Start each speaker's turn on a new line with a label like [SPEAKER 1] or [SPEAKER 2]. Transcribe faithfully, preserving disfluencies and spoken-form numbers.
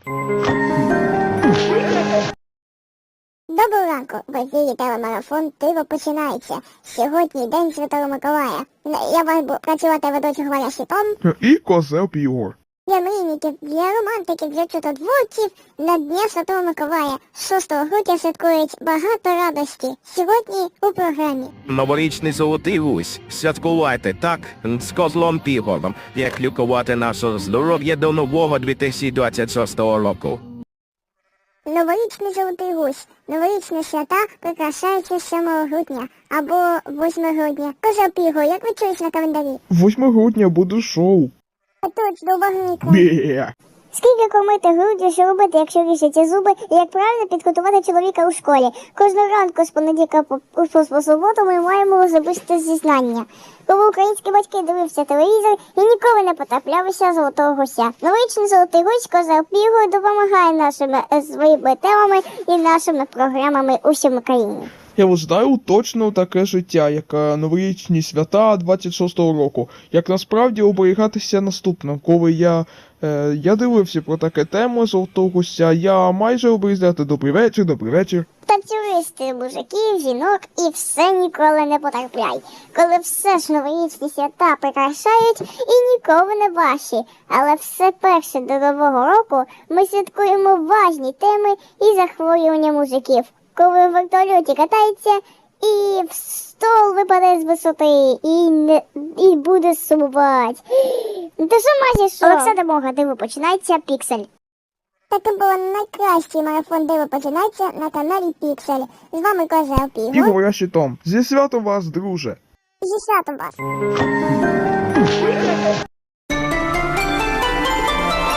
[SPEAKER 1] Доброго ранку, в ефірі телемарафон «Диво починається». Сьогодні День Святого Миколая. Я вас буду працювати ведучий Валя Щитом.
[SPEAKER 2] І Козел Ігор.
[SPEAKER 1] Для мрійників, для романтиків, для чудотворців на Дня Святого Миколая шостого грудня святкують багато радості. Сьогодні у програмі.
[SPEAKER 3] Новорічний золотий гусь. Святкувати так з Козлом Ігорем, як лікувати наше здоров'я до нового дві тисячі двадцять шостого року.
[SPEAKER 1] Новорічний золотий гусь. Новорічні свята прикрашаються сьомого грудня або восьмого грудня. Козел Ігор, як ви чуєте на календарі?
[SPEAKER 2] восьмого грудня буде шоу.
[SPEAKER 1] Точно, увага екран.
[SPEAKER 2] Бє.
[SPEAKER 1] Скільки кормити груддю, що робити, якщо ріжете зуби, і як правильно підготувати чоловіка у школі. Кожного ранку з понеділка по, по, по суботу ми маємо особисте зізнання. Коли українські батьки дивився телевізор і ніколи не потраплялися золотого гуся. Новорічний золотий гусь Козел Ігор допомагає нашими е, своїми темами і нашими програмами у всьому країні.
[SPEAKER 2] Я ось знаю точно таке життя, як е, новорічні свята двадцять шостого року. Як насправді оберігатися наступним. Коли я, е, я дивився про таке тему золотого гуся, я майже обрізати добрий вечір, добрий вечір.
[SPEAKER 1] Танцюристи, мужиків, жінок і все ніколи не потрапляй. Коли все ж новорічні свята прикрашають і ніколи не ваші. Але все перше до Нового року ми святкуємо важні теми і захворювання мужиків. Коли в вертольоті катається і в стол випаде з висоти і не і буде сумувати. Та що майже що? Олександр Мога, диво починається, Піксель. Таким було найкращий марафон «Диво починається» на каналі Піксель. З вами Козел Ігор.
[SPEAKER 2] Ігор я Щитом. Зі святом вас, друже.
[SPEAKER 1] Зі святом вас.